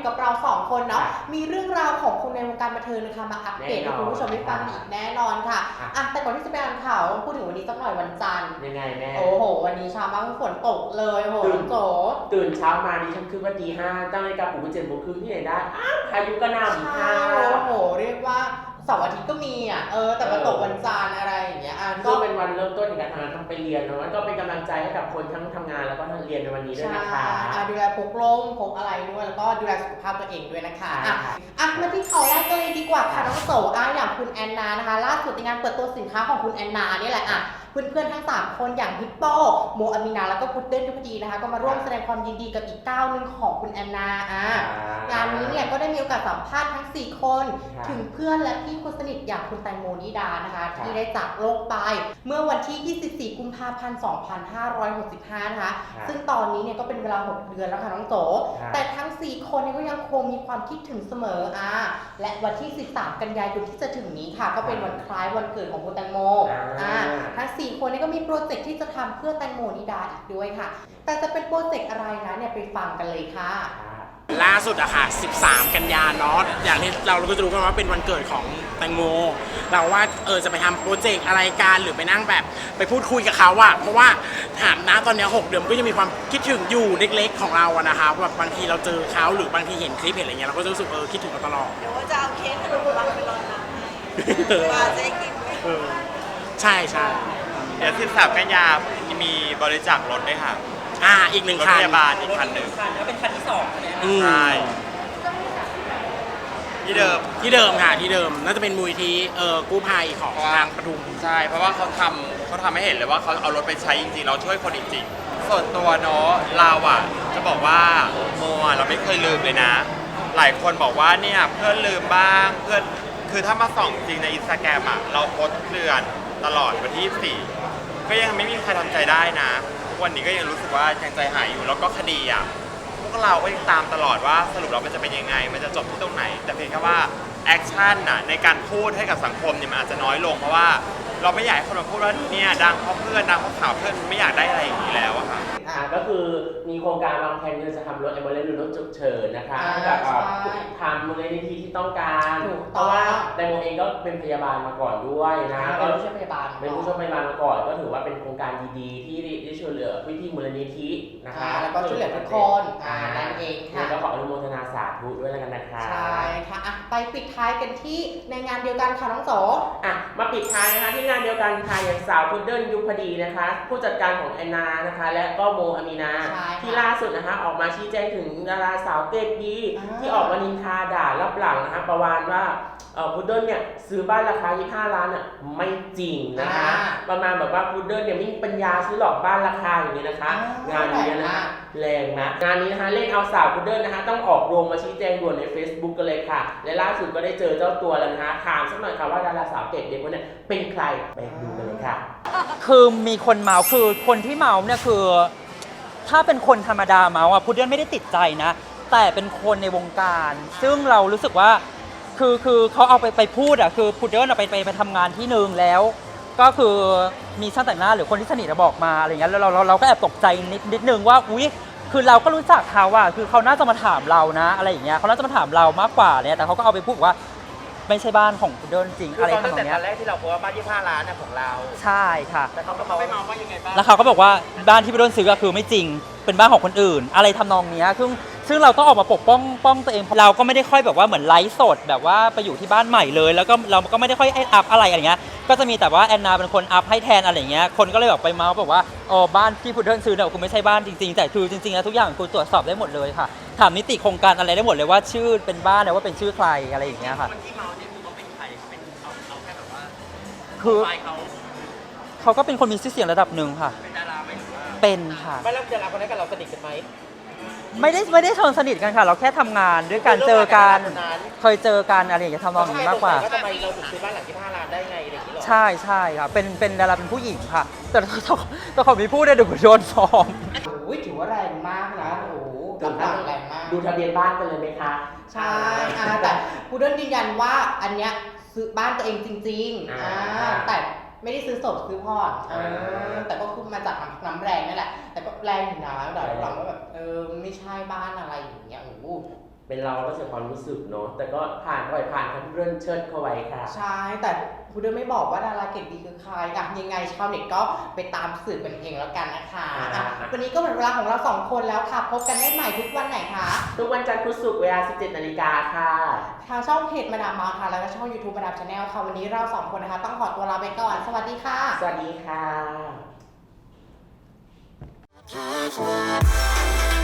กับเรา2คนเนาะมีเรื่องราวของคนในวงการบันเทิงนะคะมาอัปเดตให้คุณผู้ชมได้ฟังอีกแน่นอนค่ะแต่ก่อนที่จะไปอ่านข่าวพูดถึงวันนี้สักหน่อยวันจันทร์ยังไงแม่โอ้โหวันนี้เช้ามาฝนตกเลยโหโจตื่นเช้ามาดิฉันคือว่าตีห้าตั้งนาฬิกาปลุกเป็น7:30ที่ไหนได้พายุกระหน่ำค่ะโอ้โหเรียกว่าเสาร์อาทิตย์ก็มีแต่มาตกวันจันทร์อะไรอย่างเงี้ยก็เป็นวันเริ่มต้นในการทำงานทำไปเรียนเนาะก็เป็นกำลังใจให้กับคนทั้งทำงานแล้วก็เรียนในวันนี้ด้วยนะคะดูแลพกร่มพกอะไรด้วยแล้วก็ดูแลสุขภาพตัวเองด้วยนะคะมาที่ข่าวแรกกันเลยดีกว่าค่ะน้องโสอย่างคุณแอนนานะคะล่าสุดในงานเปิดตัวสินค้าของคุณแอนนานี่แหละเพื่อนๆทั้ง3คนอย่างฮิปโปโมอามินาแล้วก็พุดเดิ้ลยุพดีนะคะก็มาร่วมแสดงความยินดีกับอีกก้าวหนึ่งของคุณแอนนางานนี้เนี่ยก็ได้มีโอกาสสัมภาษณ์ทั้ง4คนถึงเพื่อนและพี่คนสนิทอย่างคุณแตงโมนิดานะคะที่ได้จากโลกไปเมื่อวันที่24กุมภาพันธ์2565นะคะซึ่งตอนนี้เนี่ยก็เป็นเวลา6เดือนแล้วค่ะน้องโจแต่ทั้ง4คนเนี่ยก็ยังคงมีความคิดถึงเสมอและวันที่13กันยายนที่จะถึงนี้ค่ะก็เป็นวันคล้ายวันเกิดของคุณแตงโมทั้ง4คนนี้ก็มีโปรเจกต์ที่จะทำเพื่อแตงโมนิดาอีกด้วยค่ะแต่จะเป็นโปรเจกต์อะไรนะเนี่ยไปฟังกันเลยค่ะล่าสุดอะค่ะ13กันยาเนาะอย่างที่เราก็จะรู้กันว่าเป็นวันเกิดของแตงโมเราว่าจะไปทำโปรเจกต์อะไรกันหรือไปนั่งแบบไปพูดคุยกับเขาอะเพราะว่าถามนะตอนนี้6 เดือนก็ยังมีความคิดถึงอยู่เล็กๆของเราอะนะคะแบบบางทีเราเจอเขาหรือบางทีเห็นคลิปเห็นอะไรเงี้ยเราก็จะรู้สึกคิดถึงเขาตลอดเดี๋ยวว่าจะเอาเค้กขนมปังไปรอน้ำให้มาจะกินใช่ใช่เดี๋ยว13กันยามีบริจาครถด้วยค่ะอีก1 คันรถพพยาบาลอีกคันหนึ่งแล้วเป็นคันที่2เนี่ยใช่ที่เดิมค่ะที่เดิมน่าจะเป็นมูลที่กู้ภัยของทางปทุมใช่เพราะว่าเขาทำให้เห็นเลยว่าเขาเอารถไปใช้จริงๆเราช่วยคนจริงๆส่วนตัวเนาะเราจะบอกว่าโมเราไม่เคยลืมเลยนะหลายคนบอกว่าเนี่ยเพื่อนลืมบ้างเพื่อนคือถ้ามาส่องจริงในอินสตาแกรมเราโพสต์เดือนตลอดวันที่24ก็ยังไม่มีใครทำใจได้นะทุกวันนี้ก็ยังรู้สึกว่ายังใจหายอยู่แล้วก็คดีพวกเราก็ยังตามตลอดว่าสรุปแล้วมันจะเป็นยังไงมันจะจบที่ตรงไหนแต่เพียงแค่ว่าแอคชั่นในการพูดให้กับสังคมเนี่ยมันอาจจะน้อยลงเพราะว่าเราไม่อยากให้คนมาพูดว่าเนี่ยดังเพราะเพื่อนดังเพราะข่าวเพื่อนไม่อยากได้อะไรอย่างนี้แล้วค่ะก็คือมีโครงการวางแผนจะทำรถแอมบูเลนซ์หรือรถฉุกเฉินนะคะให้กับทางมูลนิธิที่ต้องการเพราะว่าแตงโมเองก็เป็นพยาบาลมาก่อนด้วยนะก็เป็นผู้ช่วยพยาบาลมาก่อนก็ถือว่าเป็นโครงการดีๆที่ได้ช่วยเหลือพี่มูลนิธินะคะแล้วก็ช่วยเหลือทุกคนนั่นเองค่ะก็ขออนุโมทนาสาธุด้วยแล้วกันนะคะใช่ค่ะไปปิดท้ายกันที่ในงานเดียวกันค่ะน้องโสมาปิดท้ายนะคะที่งานเดียวกันค่ะอย่างสาวพุดเดิ้ลยุพดีนะคะผู้จัดการของแอนนานะคะและก็โมอามีนาที่ล่าสุดนะคะออกมาชี้แจงถึงดาราสาวเด็กดีที่ออกมานินทาด่ารับหลังนะคะประมาณว่าพุดเดิ้ลเนี่ยซื้อบ้านราคา25 ล้านไม่จริงนะคะประมาณแบบว่าพุดเดิ้ลเนี่ยไม่มีปัญญาซื้อหรอกบ้านราคาอย่างนี้นะคะงานนี้นะคะแรงนะงานนี้นะคะเล่นเอาสาวพุดเดิ้ลนะคะต้องออกโรงมาชี้แจงด่วนใน Facebook กันเลยค่ะและล่าสุดก็ได้เจอเจ้าตัวแล้วนะคะถามสักหน่อยค่ะว่าดาราสาวเด็กคนนี้เป็นใครไปดูกันเลยค่ะคือมีคนเมาคือคนที่เมาเนี่ยคือถ้าเป็นคนธรรมดาเมาพุดเดิ้ลไม่ได้ติดใจนะแต่เป็นคนในวงการซึ่งเรารู้สึกว่าคือเขาเอาไปพูดคือพุดเดิ้ลไปทำงานที่นึงแล้วก็คือมีช่างแต่งหน้าหรือคนที่สนิทบอกมาอะไรเงี้ยแล้วเราก็แอบตกใจนิดนึงว่าอุ๊ยคือเราก็รู้จักเขาคือเขาน่าจะมาถามเรานะอะไรอย่างเงี้ยเขาน่าจะมาถามเรามากกว่าเนี่ยแต่เขาก็เอาไปพูดว่าไม่ใช่บ้านของพุดเดิ้ลจริงอะไรทำนองนี้ตอนแรกที่เราบอกว่าบ้าน25 ล้านของเราใช่ค่ะแต่เขาก็มาไม่เมาว่ายังไงบ้างแล้วเขาก็บอกว่าบ้านที่พุดเดิ้ลซื้อคือไม่จริงเป็นบ้านของคนอื่นอะไรทำนองนี้ซึ่งเราต้องออกมาปกป้องตัวเองเราก็ไม่ได้ค่อยแบบว่าเหมือนไลฟ์สดแบบว่าไปอยู่ที่บ้านใหม่เลยแล้วก็เราก็ไม่ได้ค่อยอัพอะไรอย่างเงี้ยก็จะมีแต่ว่าแอนนาเป็นคนอัพให้แทนอะไรอย่างเงี้ยคนก็เลยแบบไปเมาส์บอกว่าบ้านที่พุดเดิ้ลซื้อเนี่ยคุณไม่ใช่บ้านจริงๆแต่คือจริงๆแล้วทุกอย่างคุณตรวจสอบได้หมดเลยค่ะถามนิติโครงการอะไรได้หมดเลยว่าชื่อเป็นบ้านเนี่ยว่าเป็นชื่อใครอะไรอย่างเงี้ยค่ะคือเขาก็เป็นคนมีชื่อเสียงระดับหนึ่งค่ะเป็นดาราไหมหรือว่าเป็นค่ะไม่แล้วดาราคนนั้นกับเราสนิทกันไหมไม่ได้เชิงสนิทกันค่ะเราแค่ทำงานด้วยกันเจอกันเคยเจอกันอะไรอย่างเงี้ยทำนองนี้มากกว่าทำไมเราถึงซื้อบ้านหลัง25 ล้านได้ไงอะไรอย่างเงี้ยใช่ค่ะเป็นดาราเป็นผู้หญิงค่ะแต่ต้องขอมีพูดได้เดี๋ยวโดนฟ้องถือว่าแรงมากนะกำลังแรงมากดูทะเบียนบ้านกันเลยไหมคะใช่แต่พุดเดิ้ลยืนยันว่าอันเนี้ยซื้อบ้านตัวเองจริงๆแต่ไม่ได้ซื้อสดซื้อพอดแต่ก็คือมาจากน้ำแรงนั่นแหละแต่ก็แรงอยู่นะแต่หลังว่าแบบไม่ใช่บ้านอะไรอย่างเงี้ยเป็นเราก็เสียความรู้สึกเนาะแต่ก็ผ่านปล่อยผ่านครับเรื่องเชิดเข้าไว้ค่ะใช่แต่พูดด้วยไม่บอกว่าดาราเกรดดีคือใครอ่ะยังไงชาวเน็ตก็ไปตามสืบกันเองแล้วกันนะคะอ่ะวันนี้ก็หมดเวลาของเราสองคนแล้วค่ะพบกันได้ใหม่ทุกวันไหนคะทุกวันจันทร์พุธศุกร์เวลา 17 นาฬิกาค่ะทางช่องเพจมาดามเมาส์ค่ะแล้วก็ช่อง YouTube มาดามชาแนลค่ะวันนี้เราสองคนนะคะต้องขอตัวลาไปก่อนสวัสดีค่ะสวัสดีค่ะ Just wanna